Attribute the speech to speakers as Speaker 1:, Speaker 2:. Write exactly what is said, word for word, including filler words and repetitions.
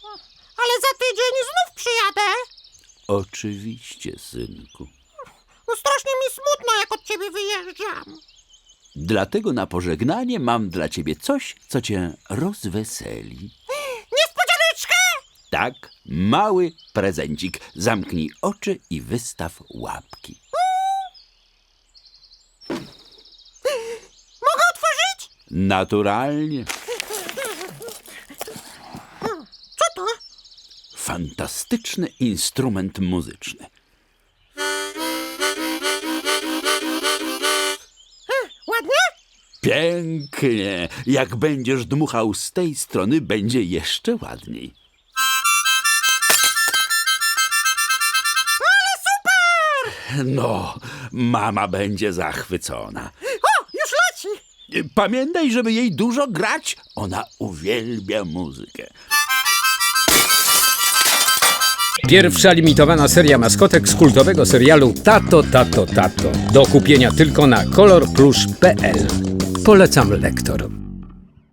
Speaker 1: Ale za tydzień znów przyjadę.
Speaker 2: Oczywiście, synku.
Speaker 1: No strasznie mi smutno, jak od ciebie wyjeżdżam.
Speaker 2: Dlatego na pożegnanie mam dla ciebie coś, co cię rozweseli.
Speaker 1: Niespodzianeczkę!
Speaker 2: Tak, mały prezencik. Zamknij oczy i wystaw łapki.
Speaker 1: Mogę otworzyć?
Speaker 2: Naturalnie.
Speaker 1: Co to?
Speaker 2: Fantastyczny instrument muzyczny.
Speaker 1: Ładnie?
Speaker 2: Pięknie. Jak będziesz dmuchał z tej strony, będzie jeszcze ładniej.
Speaker 1: Ale super!
Speaker 2: No, mama będzie zachwycona.
Speaker 1: O, już leci!
Speaker 2: Pamiętaj, żeby jej dużo grać. Ona uwielbia muzykę.
Speaker 3: Pierwsza limitowana seria maskotek z kultowego serialu Tato, Tato, Tato. Do kupienia tylko na kolor plus kropka p l. Polecam lektor.